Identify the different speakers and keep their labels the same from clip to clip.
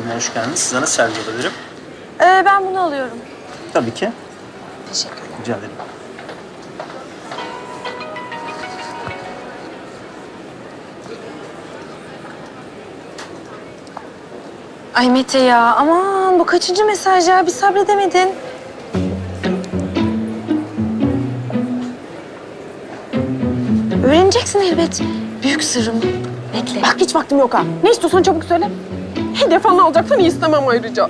Speaker 1: hoş geldiniz. Size nasıl yardımcı olabilirim?
Speaker 2: Ben bunu alıyorum.
Speaker 1: Tabii ki.
Speaker 2: Teşekkürler.
Speaker 1: Rica ederim.
Speaker 2: Ay Mete ya, aman bu kaçıncı mesaj ya? Bir sabredemedin. Öğreneceksin elbet. Büyük sırrım. Bekle.
Speaker 3: Bak hiç vaktim yok ha. Ne istiyorsan çabuk söyle. Hedef falan alacaksan iyi istemem ayrıca.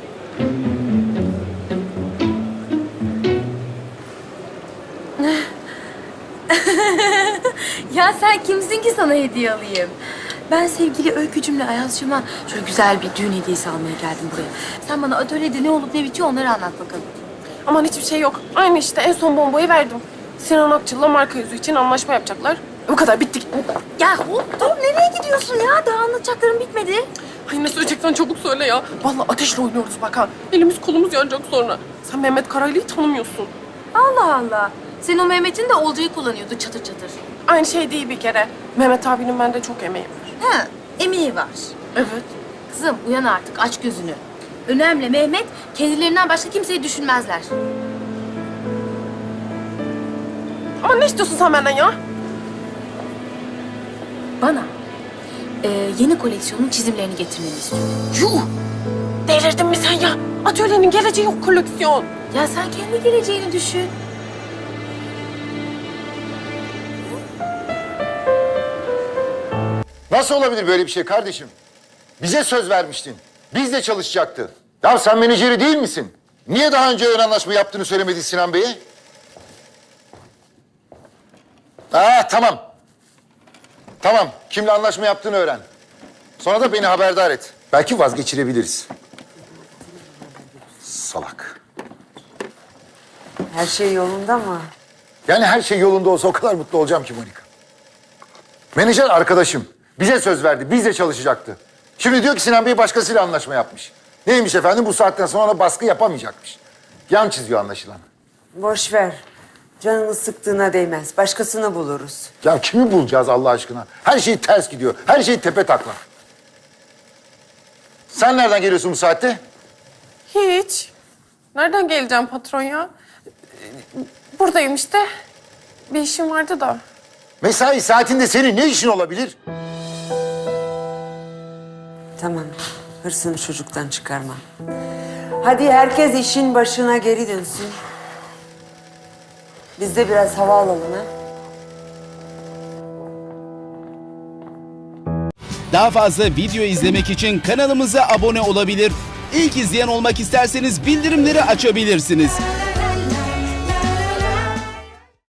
Speaker 2: Ya sen kimsin ki sana hediye alayım? Ben sevgili Öykücümle Ayazcığıma şöyle güzel bir düğün hediyesi almaya geldim buraya. Sen bana atölyede ne olup ne bitiyor onları anlat bakalım.
Speaker 3: Aman hiçbir şey yok. Aynı işte en son bombayı verdim. Sinan Akçıl'la marka yüzü için anlaşma yapacaklar. Bu kadar bitti gitti.
Speaker 2: Ya hop dur nereye gidiyorsun ya? Daha anlatacaklarım bitmedi.
Speaker 3: Ay ne söyleyeceksen çabuk söyle ya. Vallahi ateşle oynuyoruz bak ha. Elimiz kolumuz yanacak sonra. Sen Mehmet Karaylı'yı tanımıyorsun.
Speaker 2: Allah Allah. Senin o Mehmet'in de Olcay'ı kullanıyordu çatır çatır.
Speaker 3: Aynı şey değil bir kere. Mehmet abinin bende çok emeği var.
Speaker 2: Ha, emeği var.
Speaker 3: Evet.
Speaker 2: Kızım uyan artık aç gözünü. Önemli Mehmet kendilerinden başka kimseyi düşünmezler.
Speaker 3: Ama ne istiyorsun sen benden ya?
Speaker 2: Bana yeni koleksiyonun çizimlerini getirmeni istiyorum.
Speaker 3: Yuh! Delirdin mi sen ya? Atölyenin geleceği yok koleksiyon.
Speaker 2: Ya sen kendi geleceğini düşün.
Speaker 4: Nasıl olabilir böyle bir şey kardeşim? Bize söz vermiştin. Bizle çalışacaktı. Ya sen menajeri değil misin? Niye daha önce ön anlaşma yaptığını söylemedin Sinan Bey'e? Tamam. Tamam. Kimle anlaşma yaptığını öğren. Sonra da beni haberdar et. Belki vazgeçirebiliriz. Salak.
Speaker 5: Her şey yolunda mı?
Speaker 4: Yani her şey yolunda olsa o kadar mutlu olacağım ki Monika. Menajer arkadaşım. Bize söz verdi. Bizle çalışacaktı. Şimdi diyor ki Sinan Bey başkasıyla anlaşma yapmış. Neymiş efendim? Bu saatten sonra ona baskı yapamayacakmış. Yan çiziyor anlaşılan.
Speaker 5: Boş ver. Canını sıktığına değmez. Başkasını buluruz.
Speaker 4: Ya kimi bulacağız Allah aşkına? Her şey ters gidiyor. Her şey tepe taklak. Sen nereden geliyorsun bu saatte?
Speaker 3: Hiç. Nereden geleceğim patron ya? Buradayım işte. Bir işim vardı da.
Speaker 4: Mesai saatinde senin ne işin olabilir?
Speaker 5: Tamam. Hırsını çocuktan çıkarma. Hadi herkes işin başına geri dönsün. Biz de biraz hava alalım ha.
Speaker 6: Daha fazla video izlemek için kanalımıza abone olabilir. İlk izleyen olmak isterseniz bildirimleri açabilirsiniz.